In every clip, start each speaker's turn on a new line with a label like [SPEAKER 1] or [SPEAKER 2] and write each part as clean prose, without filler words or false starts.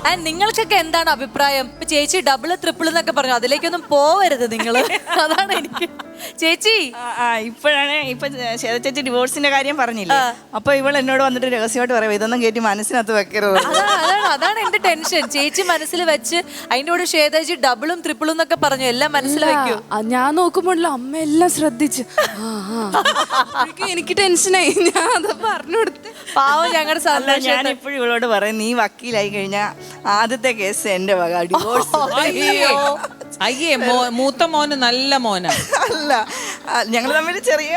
[SPEAKER 1] And നിങ്ങൾക്കൊക്കെ എന്താണ് അഭിപ്രായം? ഇപ്പൊ ചേച്ചി ഡബിൾ ട്രിപ്പിൾ എന്നൊക്കെ പറഞ്ഞു, അതിലേക്കൊന്നും പോവരുത് നിങ്ങള്. അതാണ് എനിക്ക്. ചേച്ചി
[SPEAKER 2] ഇപ്പോഴാണ് ശേത ചേച്ചി ഡിവോഴ്സിന്റെ കാര്യം പറഞ്ഞില്ലേ, അപ്പൊ ഇവൾ എന്നോട് വന്നിട്ട് രഹസ്യമായിട്ട് പറയാം, ഇതൊന്നും കേട്ടി മനസ്സിനകത്ത് വെക്കരുത്.
[SPEAKER 1] അതാണ് എന്റെ ടെൻഷൻ. ചേച്ചി മനസ്സിൽ വെച്ച് അതിന്റെ കൂടെ ശ്വേതജി ഡബിളും ട്രിപ്പിളും എന്നൊക്കെ പറഞ്ഞു, എല്ലാം മനസ്സിൽ വെക്കൂ.
[SPEAKER 3] ഞാൻ നോക്കുമ്പോഴല്ലോ അമ്മ എല്ലാം ശ്രദ്ധിച്ച് എനിക്ക് ടെൻഷനായി. ഞാൻ അത് പറഞ്ഞു കൊടുത്ത്
[SPEAKER 1] പാവം ഞങ്ങളുടെ സന്തോഷം.
[SPEAKER 2] ഞാൻ ഇപ്പോഴും ഇവളോട് പറയും, നീ വക്കീലായി കഴിഞ്ഞാൽ ആദ്യത്തെ കേസ് എന്റെ വക, ഡിവോഴ്സ്.
[SPEAKER 4] അയ്യേ, മൂത്ത മോന് നല്ല മോനാ.
[SPEAKER 2] അല്ല, ഞങ്ങൾ തമ്മിൽ ചെറിയ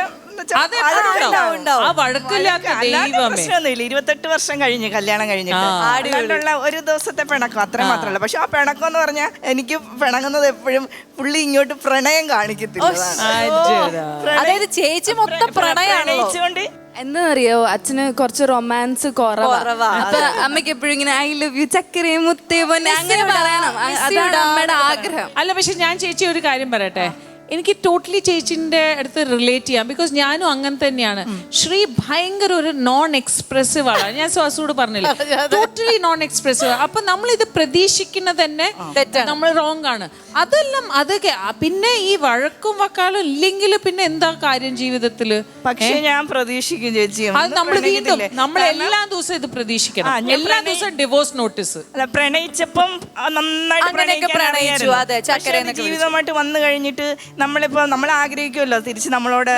[SPEAKER 2] പ്രശ്നമൊന്നുമില്ല. 28 വർഷം കഴിഞ്ഞ് കല്യാണം കഴിഞ്ഞിട്ട് അതുകൊണ്ടുള്ള ഒരു ദിവസത്തെ പിണക്കം അത്ര മാത്രമല്ല. പക്ഷെ ആ പിണക്കം എന്ന് പറഞ്ഞാൽ എനിക്ക് പിണങ്ങുന്നത് എപ്പോഴും പുള്ളി ഇങ്ങോട്ട് പ്രണയം കാണിക്കത്തില്ല.
[SPEAKER 1] അതായത് ചേച്ചി മൊത്തം പ്രണയിച്ചുകൊണ്ട്
[SPEAKER 3] എന്താന്നറിയോ, അച്ഛന് കുറച്ച് റൊമാൻസ് കുറവാ. അപ്പൊ അമ്മയ്ക്ക് എപ്പോഴും ഇങ്ങനെ ഐ ലവ് യു ചക്കരേ മുത്തേ പൊന്നെ അങ്ങനെ പറയണം, അതാണ് അമ്മയുടെ ആഗ്രഹം.
[SPEAKER 4] അല്ല, പക്ഷെ ഞാൻ ചേച്ചി ഒരു കാര്യം പറയട്ടെ, എനിക്ക് ടോട്ടലി ചേച്ചിന്റെ അടുത്ത് റിലേറ്റ് ചെയ്യാം. ബിക്കോസ് ഞാനും അങ്ങനെ തന്നെയാണ്. ശ്രീ ഭയങ്കര ഒരു നോൺ എക്സ്പ്രസീവ് ആണ്. ഞാൻ സ്വാസോട് പറഞ്ഞില്ല, ടോട്ടലി നോൺ എക്സ്പ്രസീവ്. അപ്പൊ നമ്മൾ ഇത് പ്രതീക്ഷിക്കുന്നത് തന്നെ നമ്മൾ റോങ് ആണ്. അതെല്ലാം അതൊക്കെ പിന്നെ ഈ വഴക്കും വക്കാലും ഇല്ലെങ്കിൽ പിന്നെ എന്താ കാര്യം ജീവിതത്തില്?
[SPEAKER 2] പക്ഷെ ഞാൻ പ്രതീക്ഷിക്കും ചേച്ചി,
[SPEAKER 4] അത് നമ്മൾ വീണ്ടും നമ്മൾ എല്ലാ ദിവസവും ഇത് പ്രതീക്ഷിക്കണം. എല്ലാ ദിവസവും ഡിവോഴ്സ് നോട്ടീസ്.
[SPEAKER 2] അല്ല, പ്രണയിച്ചപ്പം നന്നായിട്ട് ജീവിതമായിട്ട് വന്നു കഴിഞ്ഞിട്ട് നമ്മളിപ്പോ നമ്മൾ ആഗ്രഹിക്കുമല്ലോ തിരിച്ച് നമ്മളോട്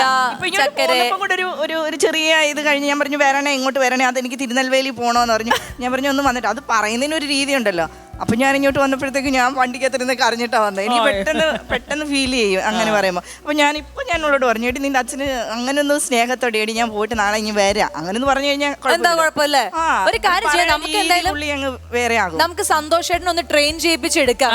[SPEAKER 2] ഒരു ചെറിയ ഇത് കഴിഞ്ഞ് ഞാൻ പറഞ്ഞു വരണേ, ഇങ്ങോട്ട് വരണേ, അതെനിക്ക് തിരുനെൽവേലി പോണോന്ന് പറഞ്ഞു. ഞാൻ പറഞ്ഞു ഒന്ന് വന്നിട്ട്, അത് പറയുന്നതിനൊരു രീതി ഉണ്ടല്ലോ. അപ്പൊ ഞാൻ ഇങ്ങോട്ട് വന്നപ്പോഴത്തേക്ക് ഞാൻ വണ്ടിക്കകത്തിരുന്ന് കരഞ്ഞിട്ടാ വന്നത്. എനിക്ക് പെട്ടെന്ന് ഫീൽ ചെയ്യും അങ്ങനെ പറയുമ്പോൾ. അപ്പൊ ഞാൻ ഉള്ളോട് പറഞ്ഞു, ഏട്ടി നിന്റെ അച്ഛന് അങ്ങനെ ഒന്ന് സ്നേഹത്തോടെ ഏടി ഞാൻ പോയിട്ട് നാളെ ഇനി വരാം അങ്ങനെ ഒന്ന് പറഞ്ഞു കഴിഞ്ഞാൽ
[SPEAKER 1] കുഴപ്പമില്ല. ഒരു കാര്യം ചെയ്യാം, നമുക്ക് എന്തായാലും
[SPEAKER 2] വേറെ ആകും.
[SPEAKER 1] നമുക്ക് സന്തോഷമായിട്ട് ഒന്ന് ട്രെയിൻ ചെയ്യിപ്പിച്ചെടുക്കാം.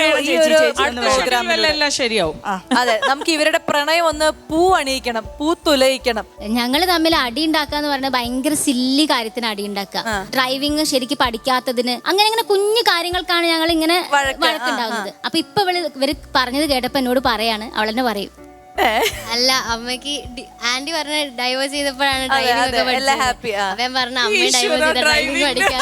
[SPEAKER 4] ശരിയാവും.
[SPEAKER 1] അതെ, നമുക്ക് ഇവരുടെ പ്രണയം ഒന്ന് പൂ അണിയിക്കണം, പൂ തുലയിക്കണം.
[SPEAKER 5] ഞങ്ങള് തമ്മിൽ അടി ഉണ്ടാക്കാന്ന് പറഞ്ഞാൽ ഭയങ്കര സില്ലി കാര്യത്തിന് അടി ഉണ്ടാക്കുക. ഡ്രൈവിംഗ് ശരിക്കും പഠിക്കാത്തതിന് അങ്ങനെ കുഞ്ഞു കാര്യങ്ങൾക്കാണ് ഞങ്ങൾ ഇങ്ങനെ വഴക്കുണ്ടാകുന്നത്. അപ്പൊ ഇപ്പൊ ഇവര് പറഞ്ഞത് കേട്ടപ്പോ എന്നോട് പറയാണ്, അവളെന്നെ പറയും, അല്ല അമ്മക്ക് ആന്റി പറഞ്ഞ ഡൈവേഴ്സ് ചെയ്തപ്പോഴാണ് ഡ്രൈവിംഗ് ഒക്കെ പഠിച്ചത്. അവൻ പറഞ്ഞ അമ്മ ഡൈവേഴ്സ് ചെയ്ത ഡ്രൈവിംഗ് പഠിക്കാൻ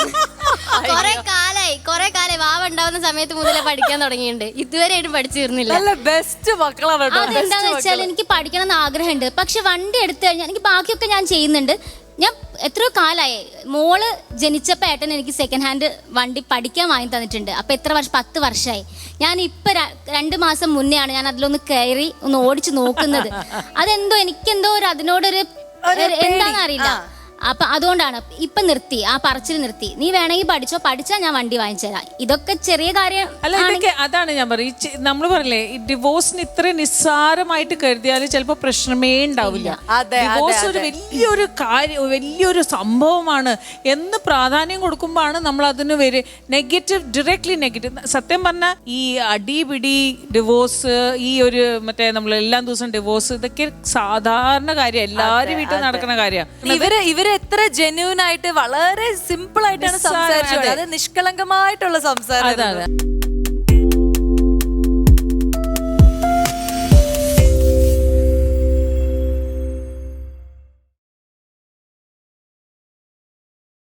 [SPEAKER 5] കൊറേ കാലം വാവ ഉണ്ടാവുന്ന സമയത്ത് മുതലേ പഠിക്കാൻ തുടങ്ങിയിട്ടുണ്ട്. ഇതുവരെയായിട്ടും പഠിച്ചു തീർന്നില്ല. അതെന്താന്ന് വെച്ചാൽ എനിക്ക് പഠിക്കണം എന്ന് ആഗ്രഹമുണ്ട്. പക്ഷെ വണ്ടി എടുത്തു കഴിഞ്ഞാൽ എനിക്ക് ബാക്കിയൊക്കെ ഞാൻ ചെയ്യുന്നുണ്ട്. ഞാൻ എത്രയോ കാലമായി, മോള് ജനിച്ചപ്പോൾ ഏട്ടൻ എനിക്ക് സെക്കൻഡ് ഹാൻഡ് വണ്ടി പഠിക്കാൻ വാങ്ങി തന്നിട്ടുണ്ട്. അപ്പൊ എത്ര വർഷം, 10 വർഷമായി. ഞാൻ ഇപ്പൊ 2 മാസം മുന്നെയാണ് ഞാൻ അതിലൊന്ന് കയറി ഒന്ന് ഓടിച്ചു നോക്കുന്നത്. അതെന്തോ എനിക്കെന്തോ അതിനോടൊരു എന്താണെന്നറിയില്ല. അപ്പൊ അതുകൊണ്ടാണ് ഇപ്പൊ നിർത്തി, ആ പറച്ചിൽ നിർത്തി. നീ വേണമെങ്കിൽ പഠിച്ചാൽ ഞാൻ വണ്ടി വാങ്ങിച്ചു തരാം. ഇതൊക്കെ ചെറിയ കാര്യം
[SPEAKER 4] അല്ല. ഇതൊക്കെ അതാണ് ഞാൻ പറയും, നമ്മൾ പറയില്ലേ ഈ ഡിവോഴ്സിന് ഇത്ര നിസ്സാരമായിട്ട് കരുതിയാൽ ചിലപ്പോ പ്രശ്നമേ ഉണ്ടാവില്ല. ഡിവോഴ്സ് ഒരു വലിയൊരു കാര്യം, വലിയൊരു സംഭവമാണ് എന്ന് പ്രാധാന്യം കൊടുക്കുമ്പോഴാണ് നമ്മൾ അതിന് ഡയറക്ട്ലി നെഗറ്റീവ്. സത്യം പറഞ്ഞാൽ ഈ അടിപിടി, ഡിവോഴ്സ്, ഈ ഒരു മറ്റേ നമ്മൾ എല്ലാ ദിവസവും ഡിവോഴ്സ്, ഇതൊക്കെ സാധാരണ കാര്യം, എല്ലാവരും വീട്ടിൽ നടക്കുന്ന കാര്യമാണ്.
[SPEAKER 1] ഇവര് എത്ര ജെന്യൂൻ ആയിട്ട് വളരെ സിമ്പിൾ ആയിട്ടാണ് സംസാരിച്ചത്. അത് നിഷ്കളങ്കമായിട്ടുള്ള സംസാരം.